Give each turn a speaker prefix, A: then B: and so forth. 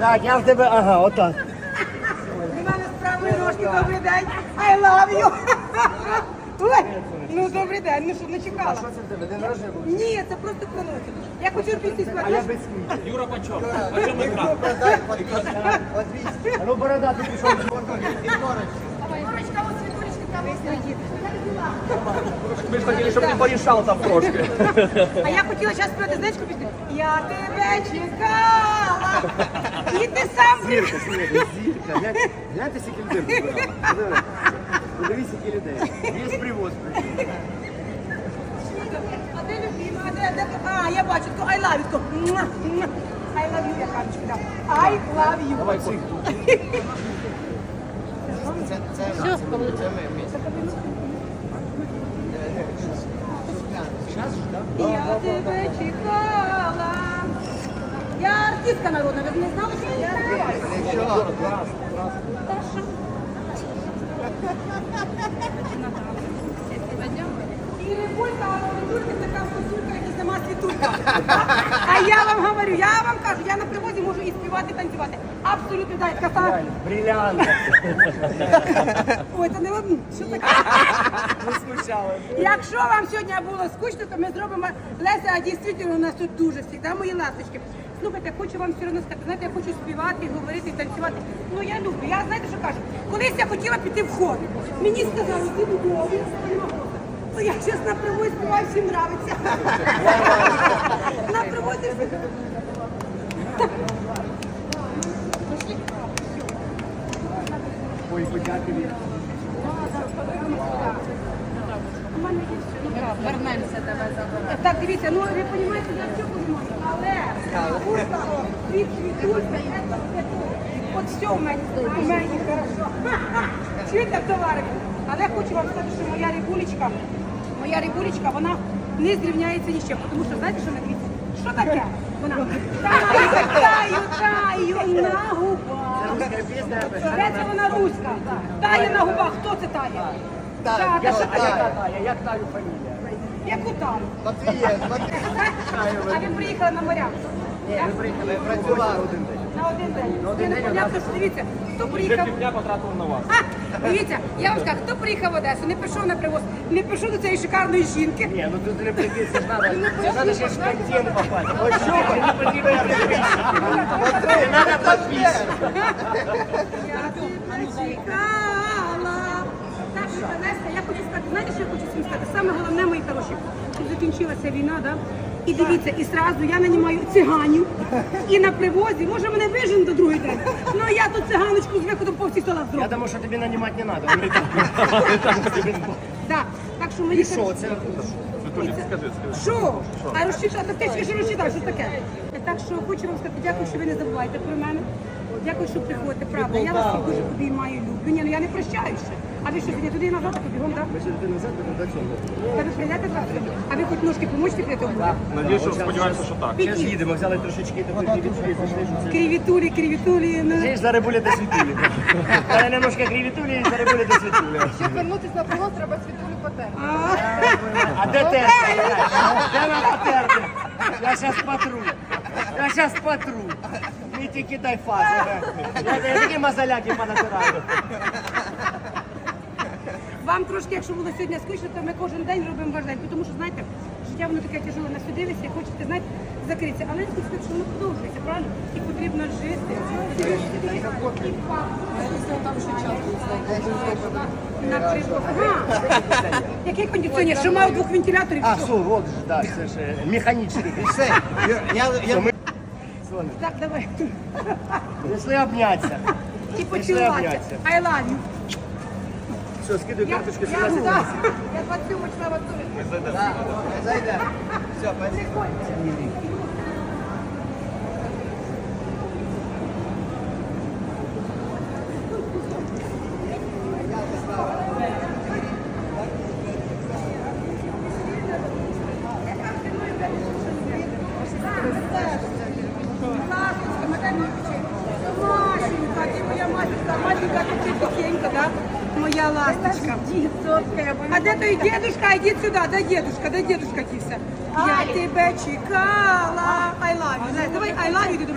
A: Так, я в тебе, ага, отак.
B: У мене з правої ножки, добрий день, I love you. Ой, ну добрий день, ну що, не чекала?
A: Що це в тебе, день народження був?
B: Ні, це просто проносить. Я хочу пісню
A: А я
B: сказати.
A: без сміття.
C: Юра Панчов. А чому екран?
A: А ну борода, ти пішов.
B: Курочка, ось світулечка там стоїть.
C: Ми ж хотіли, щоб ти порішав там трошки.
B: А я хотіла зараз співати, знаєш, яку пісню? Я тебе чекала. І ти сам
A: Зірка, зірка. Гляньте, скільки людей збирали. Подивись, скільки людей. Є привоз.
B: А де любима? А, я бачу, то I love you, то I love you, я кажу, да. I love you.
A: Давай, цих.
B: Я тебе чекала. Я артистка народна, ви не знали, що я співаю? Та що? І Рибулька, а Рибулька така вкусулька, як і сама Світулька. А я вам говорю, я вам кажу, я на привозі можу і співати, і танцювати. Абсолютно, так, така.
A: Бриллиант.
B: Ой, це не одну. Що таке?
A: Не смущалась.
B: Якщо вам сьогодні було скучно, то ми зробимо Леся, а дійсно у нас тут дуже завжди, мої ласточки. Слухайте, хочу вам все одно сказати, знаєте, я хочу співати, говорити, танцювати. Ну я люблю. Я знаєте, що кажу? Колись я хотіла піти в хор. Мені сказали, ти додому. Ну я зараз на привозі співаю, всім нравиться. На привозі
A: Ой, подякую.
B: у мене є все. Вернемося, давай заберемо. Так, дивіться, ну ви розумієте, я все розумію, але вкусно, від світулька, от все в мене хорошо. Чуєте, товарики? Але я хочу вам сказати, що моя рибулечка, вона не зрівняється ні з чим, тому що, знаєте, що вона дивіться? Що таке? Вона таю на губах.
A: Русская песня.
B: Це вона руська. Тає на губах. Хто це тає? Та,
A: Я
B: що
A: а
B: тає?
A: яка тая? Як таю фамілія?
B: Яку таю?
D: Матвієв,
B: А ви приїхали на моря?
A: Ні, ми приїхали працювати один день.
B: На один день.
A: На один
B: Ви не
A: день
B: понятно, що дивіться, хто приїхав.
C: Півдня потратив на вас.
B: Дивіться, я вам скажу, хто приїхав в Одесу, не пішов на привоз, не пішов до цієї шикарної жінки.
A: Ні, ну тут не прийти, це ж надо ще ж в контент попасть. Ось що, мені потрібно я підписую. Надо підписувати.
B: Я тебе чекала. Так, що, Леся, я хочу сказати, знаєте, що я хочу всім сказати? Саме головне, мої хороші, щоб закінчилася війна, да? І дивіться, і сразу я нанімаю циганів, і на привозі, може мене вижен до другий день, ну я тут циганочку з виходом по всіх столах
A: Я
B: зроблю.
A: думаю, що тобі нанімати не треба.
B: Да. Так що мені...
A: І що, це?
C: Скажи.
B: Що? А розчитати, ти ще розчитаєш, що таке? Так що хочу вам сказати, дякую, що ви не забуваєте про мене. Дякую, що приходите, правда. Я вас всіх дуже обіймаю, люблю. Ні, ну я не прощаю ще. А ви що, сьогодні туди і назад побігом, так?
A: Ми сюди назад, до цього.
B: Та ви прийдете завтра? А ви хоч ножки поможете прийти?
C: Надіюсь, що сподіваємося, що так.
A: Зараз їдемо, взяли трошечки такої кривітулі, зайшли, що це.
B: Кривітулі, ну.
A: Ти ж за рибулі до світулі. Дали немножко кривітулі і за рибулі до світулі.
E: Щоб вернутися на привоз, треба світулю потерти.
A: А де терти? Де нам потерти? Я зараз потру. Я зараз потру. Не тільки дай фазу. Я такі мазаляки понатираю.
B: Вам трошки, якщо було сьогодні скучно, то ми кожен день робимо ваш день, тому що, знаєте, життя воно таке тяжеле, насудилися, хочете, знаєте, закритися. Але я хочу сказати, що воно продовжується, правильно? І потрібно жити. На привоз. Ага. Який кондиціонер? Що мав двох вентиляторів?
A: А,
B: Що?
A: все, от ж, да, це ж механічний.
D: Все, я
B: Так, давай.
A: Прийшли обнятися.
B: І поцілуватися.
A: обнятися.
B: I love you.
A: Все, скидуй карточку,
B: Я 27 числа в Антоні.
D: зайде. Все,
B: Машенька, ти моя матушка, маленька, ти тихенька, да? Моя ласточка. А де той дедушка? Іди сюди, дай дедушка кився. Я тебе чекала. I love you. Давай I love you.